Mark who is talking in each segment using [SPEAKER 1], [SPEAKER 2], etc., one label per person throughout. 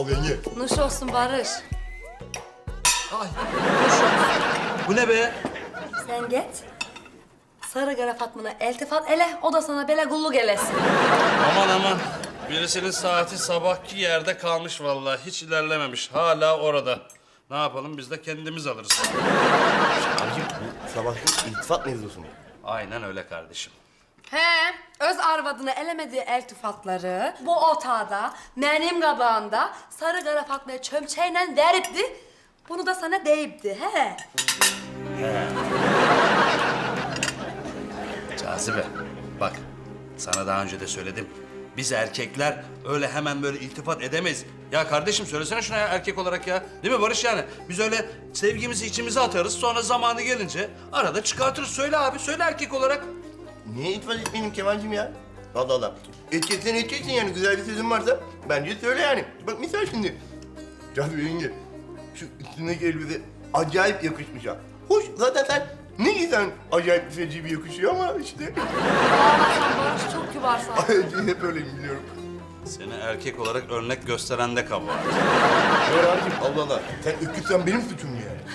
[SPEAKER 1] ol yenge.
[SPEAKER 2] Nuş olsun Barış.
[SPEAKER 3] Ay. Bu ne be?
[SPEAKER 2] Sen git. Sarı Kara Fatma'na eltifat ele, o da sana bele gulluk elesin.
[SPEAKER 3] Aman aman. Birisinin saati sabahki yerde kalmış vallahi. Hiç ilerlememiş. Hala orada. Ne yapalım biz de kendimiz alırız.
[SPEAKER 1] Abicim bu sabahki iltifat mevzusu mu?
[SPEAKER 3] Aynen öyle kardeşim.
[SPEAKER 2] He, öz arvadını elemediği eltifatları bu otağda, benim kabağımda Sarı Kara Fatma'ya çömçeyle veripti. Bunu da sana deyipti, he.
[SPEAKER 3] Cazibe, bak sana daha önce de söyledim. Biz erkekler öyle hemen böyle iltifat edemeyiz. Ya kardeşim söylesene şuna ya erkek olarak ya. Değil mi Barış yani? Biz öyle sevgimizi içimize atarız sonra zamanı gelince arada çıkartırız. Söyle abi, söyle erkek olarak.
[SPEAKER 1] Niye iltifat etmeyeyim Kemal'cim ya? Allah Allah. Edeceksen edeceksin yani. Güzel bir sözün varsa bence söyle yani. Bak misal şimdi. Cazibe yenge, şu üstündeki elbise acayip yakışmış ha. Hoş zaten sen ne giysen acayip feci bir yakışıyor ama işte.
[SPEAKER 2] Aa, sen Barış çok kibarsın.
[SPEAKER 1] Hep öyleyim biliyorum.
[SPEAKER 3] Seni erkek olarak örnek gösteren de kabahat.
[SPEAKER 1] Doğru abicim Allah Allah. Sen öküzsen benim suçum mu yani?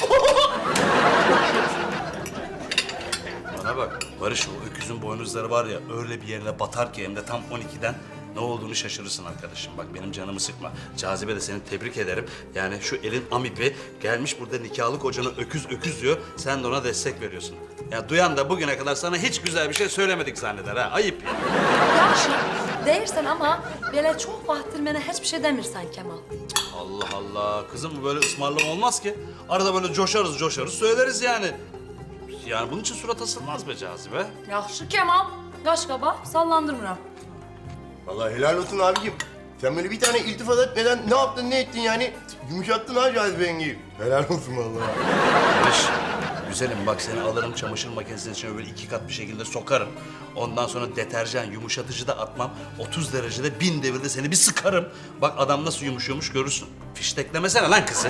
[SPEAKER 3] Bana bak Barış o öküzün boynuzları var ya öyle bir yerine batar ki hem de tam 12'den ne olduğunu şaşırırsın arkadaşım. Bak benim canımı sıkma. Cazibe de seni tebrik ederim. Yani şu elin amipi gelmiş burada nikahlı kocana öküz öküz diyor. Sen de ona destek veriyorsun. Ya duyan da bugüne kadar sana hiç güzel bir şey söylemedik zanneder ha. Ayıp ya.
[SPEAKER 2] Yaxşı, deyirsən ama belə çok vaxtdır mənə heç bir şey demirsən Kemal.
[SPEAKER 3] Allah Allah. Kızım bu böyle ısmarlama olmaz ki. Arada böyle coşarız söyleriz yani. Yani bunun için surat asılmaz be Cazibe.
[SPEAKER 2] Yaxşı Kemal, qaş qaba sallandırmıram.
[SPEAKER 1] Vallahi helal olsun abicim. Sen böyle bir tane iltifat etmeden ne yaptın ne ettin yani? Yumuşattın ha Cazibe yengeyi. Helal olsun vallahi.
[SPEAKER 3] Barış, güzelim bak seni alırım çamaşır makinesinin içine böyle 2 kat bir şekilde sokarım. Ondan sonra deterjan, yumuşatıcı da atmam. 30 derecede 1000 devirde seni bir sıkarım. Bak adam nasıl yumuşuyormuş görürsün. Fişteklemesene lan kızı.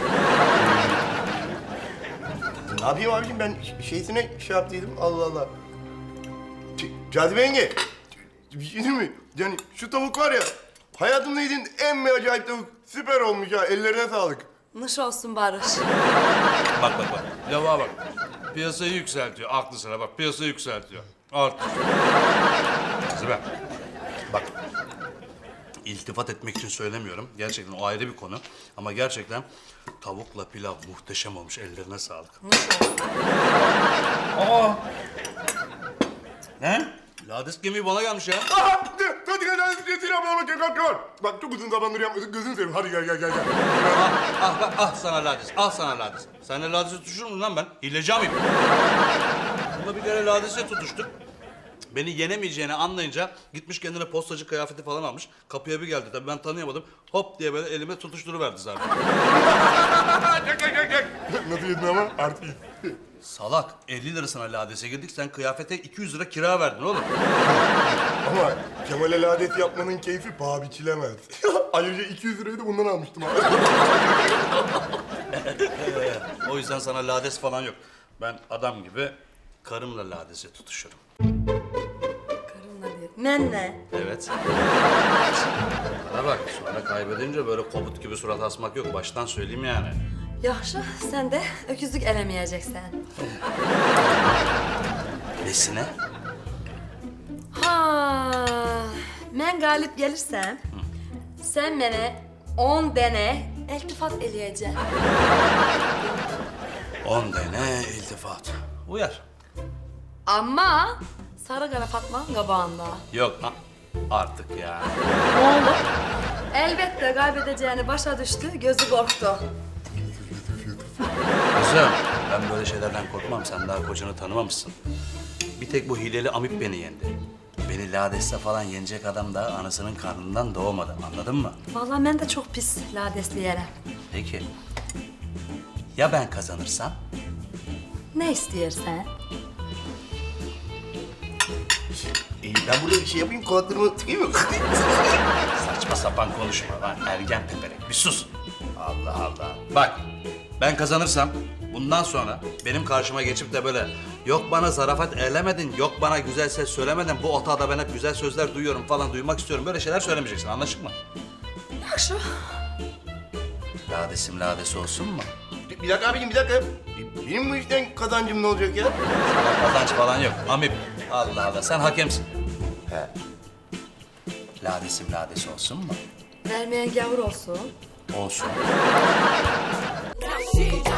[SPEAKER 1] Ne yapayım abicim ben şeysine şey yaptıydım Allah Allah. Cazibe yenge. Bir şey değil mi? Yani şu tavuk var ya. Hayatımda yediğim en bir acayip tavuk. Süper olmuş ya. Ellerine sağlık.
[SPEAKER 2] Nuş olsun Barış.
[SPEAKER 3] Bak. Lavuğa bak. Piyasayı yükseltiyor. Aklı sıra bak piyasayı yükseltiyor. Artık. Cazibe. Bak. İltifat etmek için söylemiyorum. Gerçekten o ayrı bir konu. Ama gerçekten tavukla pilav muhteşem olmuş. Ellerine sağlık.
[SPEAKER 2] Nuş olsun.
[SPEAKER 3] Aa! Ne? Lades gemiği bana gelmiş ya.
[SPEAKER 1] Aha! Hadi gel hadi getir abla kalk. Bak çok uzun zamandır yapmadık gözünü seveyim. Hadi gel.
[SPEAKER 3] Ah sana lades, sana lades. Seninle ladese tutuşur muyum lan ben? Hileci miyim? Bununla bir kere ladese tutuştuk. Beni yenemeyeceğini anlayınca gitmiş kendine postacı kıyafeti falan almış. Kapıya bir geldi tabii ben tanıyamadım. Hop diye böyle elime tutuşturuverdi zaten.
[SPEAKER 1] Gel. Nasıl yedin ama? Artı iyi.
[SPEAKER 3] Salak 50 lirasına ladese girdik sen kıyafete 200 lira kira verdin oğlum.
[SPEAKER 1] Ama Kemal'e ladet yapmanın keyfi paha biçilemez. Ayrıca 200 lirayı da bundan almıştım abi.
[SPEAKER 3] O yüzden sana lades falan yok. Ben adam gibi karımla ladese tutuşurum.
[SPEAKER 2] Karınla deyip. Mənlə.
[SPEAKER 3] Evet. Bana bak sonra kaybedince böyle kobut gibi surat asmak yok. Baştan söyleyeyim yani.
[SPEAKER 2] Yaxşı, sən də öküzlük eləməyəcəksən.
[SPEAKER 3] Nesine?
[SPEAKER 2] Ha, mən qalib gəlirsəm, sən mənə 10 dənə eltifat eləyəcəksən.
[SPEAKER 3] 10 tane iltifat. Uyar.
[SPEAKER 2] Amma Sarı Qara Fatmanın qabağında.
[SPEAKER 3] Yok artık ya.
[SPEAKER 2] Nə oldu? Əlbəttə qaybedəcəyini başa düşdü, gözü qorxdu.
[SPEAKER 3] Kızım ben böyle şeylerden korkmam. Sen daha kocanı tanımamışsın. Bir tek bu hileli amip beni yendi. Beni ladeste falan yenecek adam da anasının karnından doğmadı. Anladın mı?
[SPEAKER 2] Vallahi mən də çox pis ladesliyərəm.
[SPEAKER 3] Peki. Ya ben kazanırsam?
[SPEAKER 2] Nə istəyirsən?
[SPEAKER 1] Ben burada bir şey yapayım kulaklarımı tıkayım mı?
[SPEAKER 3] Saçma sapan konuşma lan ergen peperek. Bir sus. Allah Allah. Bak ben kazanırsam bundan sonra benim karşıma geçip de böyle yok bana zarafet eylemedin, yok bana güzel ses söylemedin, bu otağda ben hep güzel sözler duyuyorum falan duymak istiyorum. Böyle şeyler söylemeyeceksin anlaşık mı?
[SPEAKER 2] Yaxşı.
[SPEAKER 3] Ladesim ladesi olsun mu?
[SPEAKER 1] Bir dakika abicim, bir dakika. Benim bu işten kazancım ne olacak ya?
[SPEAKER 3] Kazanç falan yok. Amip. Allah Allah, sen hakemsin.
[SPEAKER 1] He.
[SPEAKER 3] Ladesim ladesi olsun mu?
[SPEAKER 2] Vermeyen gavur olsun.
[SPEAKER 3] Olsun.
[SPEAKER 4] She